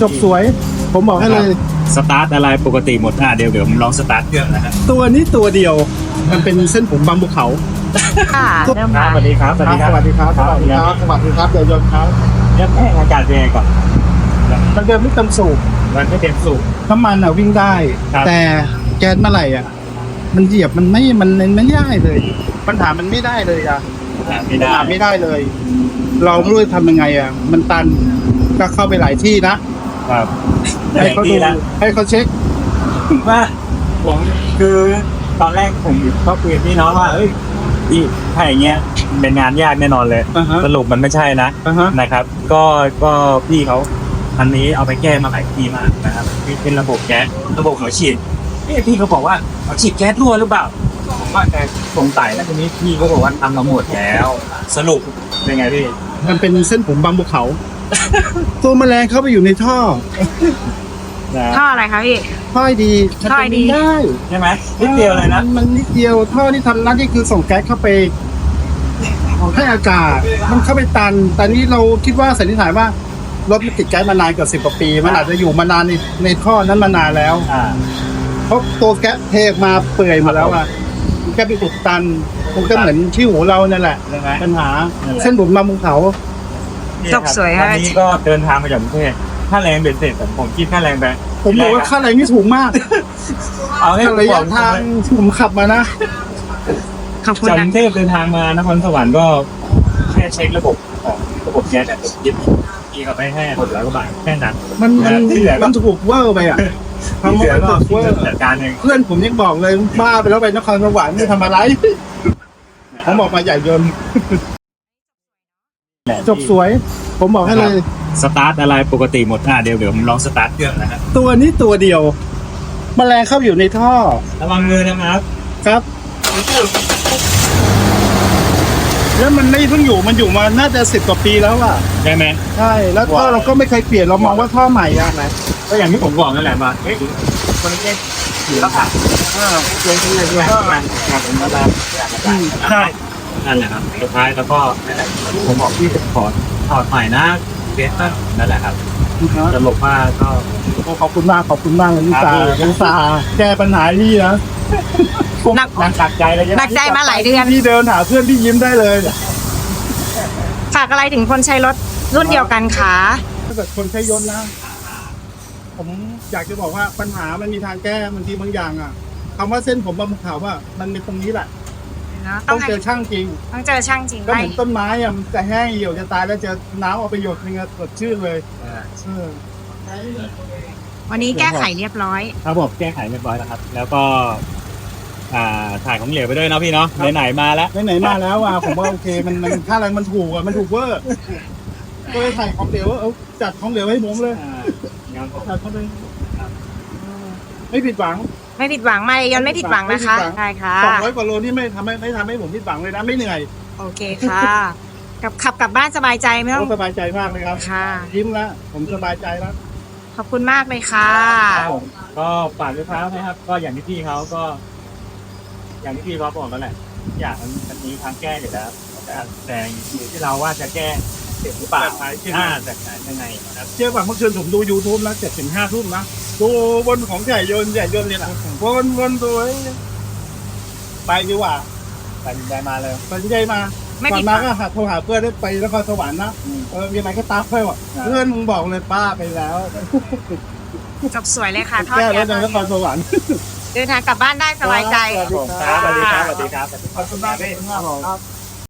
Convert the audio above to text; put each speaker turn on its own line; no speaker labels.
จบสวยผมบอกให้เลย
สตาร์ทอะไรปกติหมดเดี๋ยวผมลองสตาร์ทเครื่องนะครับ
ตัวนี้ตัวเดียวมันเป็นเส้นผมบางภูเขา
ค่ะเริ่ม
ครั
ค่ะ
บสวัสดีครับ
สวัสดีครับสวัสดีครับสวัสดีครับสวัสดีครับเดี๋ยวยนต์ครับ
เรื่องแห้งอากาศเป็นไงก่อน
มันเดินไม่เต็มสูบ
มันไม่เต็มสูบ
น้ำมันอ่ะวิ่งได้
ครับ
แต่แก๊สเมื่อไหร่อ่ะมันเหยียบมันไม่ได้เลยปัญหามันไม่ได้เลยอ่ะ
ไม่ได้
ไม่ได้เลย เราไม่รู้จะทำยังไงอ่ะมันตันก็เข้าไปหลายที่นะครับ ให้เขาดู
แล้ว
ให้เขาเช็ค
ว่าผมคือตอนแรกผมก็คุยกับพี่น้องว่าเอ้ยพี่ถ้าอย่างเงี้ยเป็นงานยากแน่นอนเลย
อ่าฮะ
สรุปมันไม่ใช่นะ
อ่าฮะ
นะครับ ก็พี่เขาอันนี้เอาไปแก้มาหลายทีมากนะครับเป็นระบบแก๊สระบบหัวฉีดพี่เขาบอกว่าหัวฉีดแก๊สรั่วหรือเปล่าผมว่าแต่สงสัยแล้วทีนี้พี่เขาบอกว่าทำมาหมดแล้ว สรุปเป็นไงพี่
มันเป็นเส้นผมบางภูเขา ตัวแมลงเข้าไปอยู่ในท่อ
นะ
ท่ออะไรคะพี่
ท่อให้ดีมัน
ท่อให้
เป็น
ดี
ไม่ได้
ใช่ไหมนิดเดียวเลยนะ
มันนิดเดียวท่อที่ทำหน้าที่คือส่งแก๊สเข้าไปให้อากาศ มันเข้าไปตันแต่นี้เราคิดว่าสันนิษฐานว่ารถมันติดแก๊สมานานเกือบ10 กว่าปี มันอาจจะอยู่มานานในท่อนั้นมานานแล้ว เพราะตัวแก๊สเทออกมาเปื่อยหมดแล้วอ่ะมันแค่ไปอุดตันมันก็เหมือนที่หูเรานั่นแหละ
ใช่ไหม
ปัญหา
นั่นแหละ
เส้นผมบางภูเขา
จบสวย
วั
ค่ะ
นนี้ก็เดินทางมาจากกรุงเทพค่าแรงเบ็ดเสร็จผมคิดค่าแรงไป
ผมบอกว่าค่าแรงนี่ถูกมาก
เอาให้
ระยะทางที่ผมขับมานะ
ขอบคุณ
จากก
นะ
รุงเทพเดินทางมานครสวรรค์ก็แค่เช็คระบบของระบบแก๊สแต่ยิบพี่เขาไปให้600 กว่าบาทแค่นั้น
มันถูกเวอร์ไปอ่ะทำ
ที่
มา
เหลือ
มัน
ก็
ถูกเวอร์
จัดการเอง
เพื่อนผมยังบอกเลยบ้าไปแล้วไปนครสวรรค์ไม่ทำอะไรผมบอกมาใหญ่ยนต์จบสวย ผมบอกให้เลย
สตาร์ทอะไรปกติหมดเดี๋ยวผมลองสตาร์ทเครื่องนะครับ
ตัวนี้ตัวเดียวแมลงเข้าอยู่ในท่อ
ระวังมือนะครับ
ครับ แล้วมันไม่เพิ่งอยู่มันอยู่มาน่าจะ10 กว่าปีแล้วอ่ะ
ใช่ไหม
ใช่แล้วท่อเราก็ไม่เคยเปลี่ยนเรามองว่าท่อใหม่อ่ะนะ
ก็อย่างที่ผมบอกนั่นแหละมาเฮ้ยคนนี้ถือแล้วค่ะเรื่องที่เรื่องก็งานผมก็ได้
ใช่
นั่นแหละครับสุดท้ายแล้วก็ผมบอกพี่ขอถอดใหม่นะเบสนั่นแหละครับสรุปว่าก็
ขอบคุณมากเลยลิซ่าแก้ปัญหาที่นะ
หนัก
หนักใจเลย
หนักใจมาหลายเดือน
ที่เดินหาเพื่อนที่ยิ้มได้เลย
ฝากอะไรถึงคนใช้รถรุ่นเดียวกันคะ
ถ้าเกิดคนใช้ยนต์นะ ผมอยากจะบอกว่าปัญหามันมีทางแก้บางทีบางอย่างอ่ะคำว่าเส้นผมบางภูเขาว่ามันเป็นตรงนี้แหละ
เนาะ
ต้องเจอช่างจริง
ต้องเจอช่างจริง
ก็เห
ไล่
มือนต้นไม้อ่ะมันจะแห้งเหี่ยวจะตายแล้วเจอน้ำเอาไปหยดนึงอะสดชื่นเลยเออ
วันนี้แก้ไขเรียบร้อย
ครับผมแก้ไขเรียบร้อยแล้วครับ แล้วก็ถ่ายของเหลวไปด้วยเนาะพี่เนาะไหนๆมาแล้ว
ไหนๆมาแล้วอ่ะผมว่าโอเคมันค่าแรงมันถูกอ่ะมันถูกเวอร์ก็เลยถ่ายของเหลวเอาจัดของเหลวให้ผมเลยจัดเข้าไปไม่ผิดหวัง
ไม่ผิดหวังไม่ยนต์ไม่ผิดหวังนะคะได้ค่ะ
200 กว่าโลนี่ไม่ทำให้ผมผิดหวังเลยนะไม่เหนื่อย
โอเคค่ะขับกลับบ้านสบายใจไม่ต้อง
สบายใจมากเลยครับ
ค่ะ
ยิ้มแล้วผมสบายใจแล้ว
ขอบคุณมากเลยค่ะ
ก็ฝากด้วยครับนะครับ ก็อย่างที่พี่เขาก็ อย่างที่พี่เขาบอกแล้วแหละอย่างมันมีทางแก้อยู่แล้วแต่อยู่ที่เราว่าจะแก้เสร็จหรือเปล่าแต่ยังไงนะครับ
เชื่อป่ะเมื่อคืนผมดู YouTube นะ7 ถึง 5 ทุ่มนะดูบนของใหญ่ยนต์เนี่ยนะวนตัวไปดีกว่า
ตัดสินใจมาเลย
ตัดสินใจมา
ไม่
ก่อ
ผิ
น
ดห
มา
วัง
ก็โทรหาเพื่อนได้ไปนครสวรรค์นะมีอะไรก็ตามไปว่ะเพื่อนมึงบอกเลยป้าไปแล้ว
จบสวยเลยค่ะทอด
แก้
แก้
รถในนครสวรรค์
เดินทางกลับบ้านได้สบายใจ
ครับสวัสดีครับสวัสดีครับ
ขอบคุณมากเลยครับ